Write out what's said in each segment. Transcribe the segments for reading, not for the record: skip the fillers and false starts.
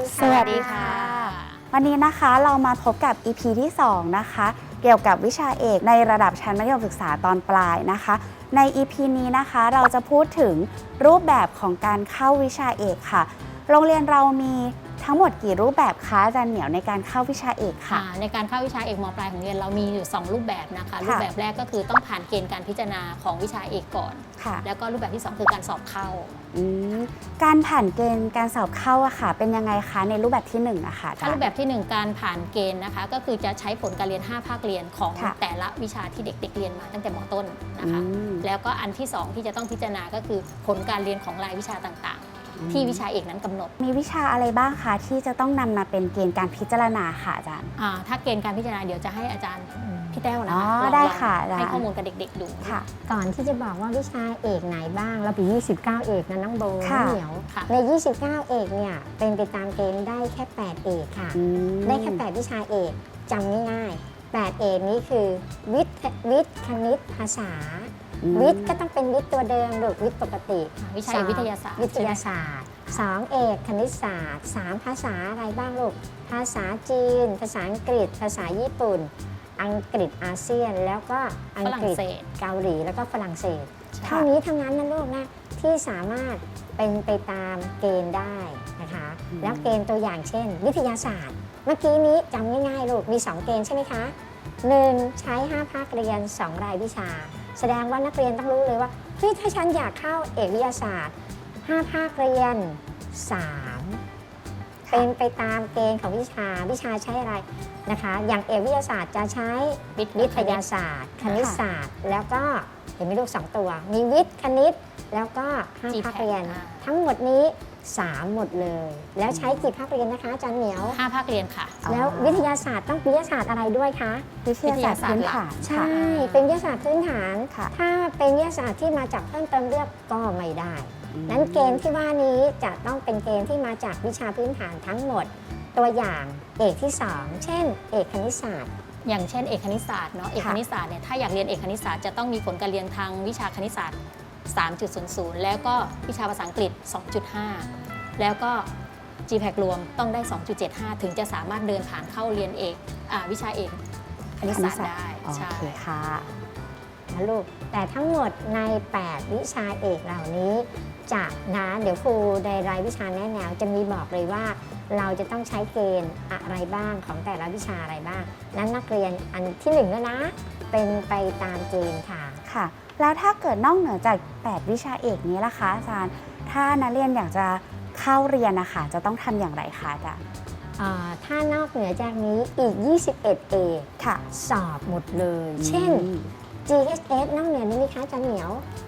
สวัสดีค่ะวันนี้นะคะเรามาพบกับ EP ที่2นะคะเกี่ยวกับวิชาเอกในระดับชั้นมัธยมศึกษาตอนปลายนะคะใน EP นี้นะคะเราจะพูดถึงรูปแบบของการเข้าวิชาเอกค่ะโรงเรียนเรามีทั้งหมดกี่รูปแบบคะอาจารย์เหมียวในการเข้าวิชาเอกค่ะในการเข้าวิชาเอกม.ปลายของเรียนเรามีอยู่2รูปแบบนะคะรูปแบบแรกก็คือต้องผ่านเกณฑ์การพิจารณาของวิชาเอกก่อนแล้วก็รูปแบบที่2คือการสอบเข้าการผ่านเกณฑ์การสอบเข้าอะค่ะเป็นยังไงคะในรูปแบบที่1อะค่ะถ้ารูปแบบที่1การผ่านเกณฑ์นะคะก็คือจะใช้ผลการเรียน5ภาคเรียนของแต่ละวิชาที่เด็กๆเรียนมาตั้งแต่ม.ต้นนะคะแล้วก็อันที่2ที่จะต้องพิจารณาก็คือผลการเรียนของรายวิชาต่างๆที่วิชาเอกนั้นกำหนดมีวิชาอะไรบ้างคะที่จะต้องนำมาเป็นเกณฑ์การพิจารณาค่ะอาจารย์ถ้าเกณฑ์การพิจารณาเดี๋ยวจะให้อาจารย์พี่แต้วนะคะได้ค่ะให้ข้อมูลกับเด็กๆดูค่ะก่อนที่จะบอกว่าวิชาเอกไหนบ้างเราปี29เอกนะน้องโบน้องเหนียวใน29เอกเนี่ยเป็นไปตามเกณฑ์ได้แค่8เอกค่ะได้แค่8วิชาเอกจำง่ายๆ8เอกนี้คือวิทย์คณิตภาษาวิทย์ก็ต้องเป็นวิทย์ตัวเดิมหรือวิทย์ปกติวิชาวิทยาศาสตร์ 2เอกคณิตศาสตร์3ภาษาอะไรบ้างลูกภาษาจีนภาษาอังกฤษภาษาญี่ปุ่นอังกฤษอาเซียนแล้วก็อังกฤษเกาหลีแล้วก็ฝรั่งเศสเท่านี้ทั้งนั้นนะลูกนะที่สามารถเป็นไปตามเกณฑ์ได้นะคะแล้วเกณฑ์ตัวอย่างเช่นวิทยาศาสตร์เมื่อกี้นี้จำง่ายๆลูกมี2เกณฑ์ใช่ไหมคะ1ใช้5ภาคเรียน2รายวิชาแสดงว่านักเรียนต้องรู้เลยว่าเฮ้ยถ้าฉันอยากเข้าเอกวิทยาศาสตร์5ภาคเรียน3เป็นไปตามเกณฑ์ของวิชาใช้อะไรนะคะอย่างเอกวิทยาศาสตร์จะใช้วิทยาศาสตร์คณิตศาสตร์แล้วก็เห็นไหมลูก2ตัวมีวิทย์คณิตแล้วก็5ภาคเรียนทั้งหมดนี้3หมดเลยแล้วใช้กี่ภาคเรียนนะคะอาจารย์เหมียว 5ภาคเรียนค่ะแล้ววิทยาศาสตร์ต้องวิทยาศาสตร์อะไรด้วยคะวิทยาศาสตร์พื้นฐานใช่เป็นวิทยาศาสตร์พื้นฐานถ้าเป็นวิทยาศาสตร์ที่มาจากเพิ่มเติมเลือกก็ไม่ได้นั้นเกณฑ์ที่ว่านี้จะต้องเป็นเกณฑ์ที่มาจากวิชาพื้นฐานทั้งหมดตัวอย่างเอกที่2เช่นเอกคณิตศาสตร์อย่างเช่นเอกคณิตศาสตร์เนาะเอกคณิตศาสตร์เนี่ยถ้าอยากเรียนเอกคณิตศาสตร์จะต้องมีผลการเรียนทางวิชาคณิตศาสตร์ 3.00 แล้วก็วิชาภาษาอังกฤษ 2.5 แล้วก็ GPAC รวมต้องได้ 2.75 ถึงจะสามารถเดินผ่านเข้าเรียนเอกวิชาเอกคณิตศาสตร์ได้ใช่ค่ะนะลูกแต่ทั้งหมดใน8วิชาเอกเหล่านี้จะนะเดี๋ยวครูในรายวิชาแนะแนวจะมีบอกเลยว่าเราจะต้องใช้เกณฑ์อะไรบ้างของแต่ละวิชาอะไรบ้างนั้นนักเรียนอันที่1แล้วนะเป็นไปตามเกณฑ์ค่ะค่ะแล้วถ้าเกิดนอกเหนือจาก8วิชาเอกนี้ล่ะคะอาจารย์ถ้านักเรียนอยากจะเข้าเรียนนะคะจะต้องทำอย่างไรคะอาจารย์ถ้านอกเหนือจากนี้อีก21เอกค่ะสอบหมดเลยเช่น GHS นอกเหนือนี้ไหมคะอาจารย์เหมียว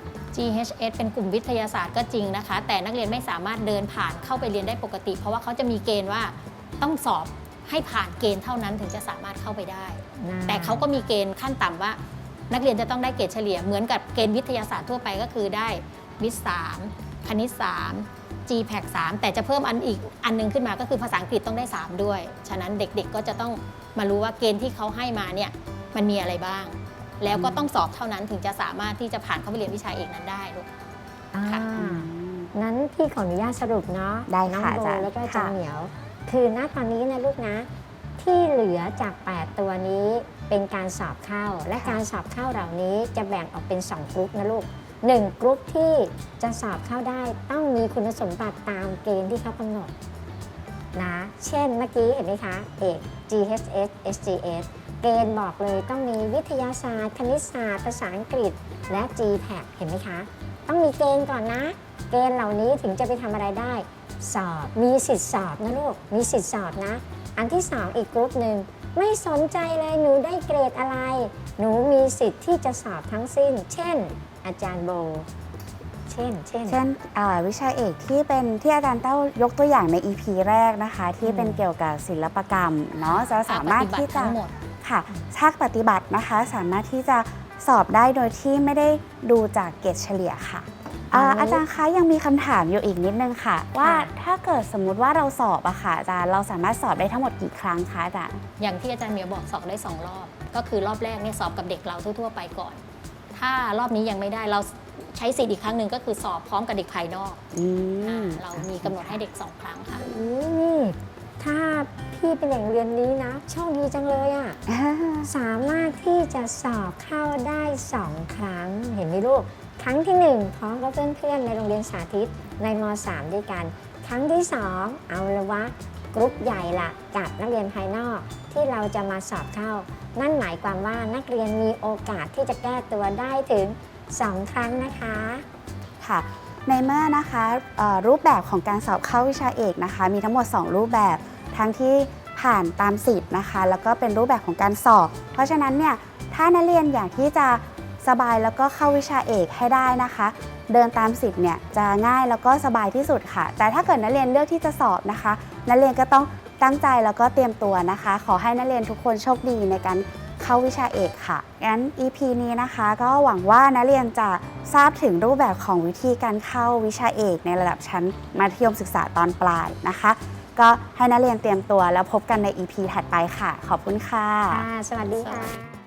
GHS เป็นกลุ่มวิทยาศาสตร์ก็จริงนะคะแต่นักเรียนไม่สามารถเดินผ่านเข้าไปเรียนได้ปกติเพราะว่าเขาจะมีเกณฑ์ว่าต้องสอบให้ผ่านเกณฑ์เท่านั้นถึงจะสามารถเข้าไปได้แต่เขาก็มีเกณฑ์ขั้นต่ำว่านักเรียนจะต้องได้เกรดเฉลี่ยเหมือนกับเกณฑ์วิทยาศาสตร์ทั่วไปก็คือได้วิทย์3คณิต3 GPAC 3แต่จะเพิ่มอีกอันนึงขึ้นมาก็คือภาษาอังกฤษต้องได้3ด้วยฉะนั้นเด็กๆก็จะต้องมารู้ว่าเกณฑ์ที่เขาให้มาเนี่ยมันมีอะไรบ้างแล้วก็ต้องสอบเท่านั้นถึงจะสามารถที่จะผ่านเข้าไปเรียนวิชาเอกนั้นได้ลูกค่ะนั้นพี่ขออนุญาตสรุปเนาะได้น้องค่ะโบแล้วก็อาจารย์เหมียวคือณตอนนี้นะลูกนะที่เหลือจาก8ตัวนี้เป็นการสอบเข้าและการสอบเข้าเหล่านี้จะแบ่งออกเป็น2กรุ๊ปนะลูก1กรุ๊ปที่จะสอบเข้าได้ต้องมีคุณสมบัติตามเกณฑ์ที่เขากำหนดนะเช่นเมื่อกี้เห็นไหมคะเอก GHS SGS เกณฑ์บอกเลยต้องมีวิทยาศาสตร์คณิตศาสตร์ภาษาอังกฤษและ GPAC เห็นไหมคะต้องมีเกณฑ์ก่อนนะเกณฑ์เหล่านี้ถึงจะไปทำอะไรได้สอบมีสิทธิสอบนะลูกมีสิทธิสอบนะอันที่2อีกกรุ๊ปหนึ่งไม่สนใจเลยหนูได้เกรดอะไรหนูมีสิทธิ์ที่จะสอบทั้งสิ้นเช่นอาจารย์โบเช่นวิชาเอกที่เป็นที่อาจารย์เต้ายกตัวอย่างใน EP แรกนะคะที่เป็นเกี่ยวกับศิลปกรรมเนาะจะสามารถที่จะค่ะภาคปฏิบัตินะคะสามารถที่จะสอบได้โดยที่ไม่ได้ดูจากเกรดเฉลี่ยค่ะอาจารย์คะยังมีคำถามอยู่อีกนิดนึงค่ะว่าถ้าเกิดสมมุติว่าเราสอบอะค่ะอาจารย์เราสามารถสอบได้ทั้งหมดกี่ครั้งคะอาจารย์อย่างที่อาจารย์เหมียวบอกสอบได้2รอบก็คือรอบแรกเนี่ยสอบกับเด็กเราทั่วๆไปก่อนถ้ารอบนี้ยังไม่ได้เราใช้สิทธิ์อีกครั้งหนึ่งก็คือสอบพร้อมกับเด็กภายนอกเรามีกำหนดให้เด็ก2ครั้งค่ะนี่ถ้าพี่เป็นอย่างเรียนนี้นะโชคดีจังเลยอะ่ะ สามารถที่จะสอบเข้าได้ 2 ครั้ง เห็นไหมลูก ครั้งที่ 1 พร้อมกับเพื่อนๆในโรงเรียนสาธิตในม .3 ด้วยกัน ครั้งที่ 2 เอาละวะกรุ๊ปใหญ่ละกับนักเรียนภายนอกที่เราจะมาสอบเข้า นั่นหมายความว่านักเรียนมีโอกาสที่จะแก้ตัวได้ถึง 2 ครั้งนะคะค่ะ ในเมื่อนะคะรูปแบบของการสอบเข้าวิชาเอกนะคะ มีทั้งหมด 2 รูปแบบ ทั้งที่ผ่านตามสิทธิ์นะคะ แล้วก็เป็นรูปแบบของการสอบ เพราะฉะนั้นเนี่ยถ้านักเรียนอยากที่จะสบายแล้วก็เข้าวิชาเอกให้ได้นะคะ เดินตามสิทธิ์เนี่ยจะง่ายแล้วก็สบายที่สุดค่ะ แต่ถ้าเกิดนักเรียนเลือกที่จะสอบนะคะ นักเรียนก็ต้องตั้งใจแล้วก็เตรียมตัวนะคะ ขอให้นักเรียนทุกคนโชคดีในการเข้าวิชาเอกค่ะงั้น EP นี้นะคะก็หวังว่านักเรียนจะทราบถึงรูปแบบของวิธีการเข้าวิชาเอกในระดับชั้นมัธยมศึกษาตอนปลายนะคะ ก็ให้นักเรียนเตรียมตัวแล้วพบกันใน EP ถัดไปค่ะ ขอบคุณค่ะสวัสดีค่ะ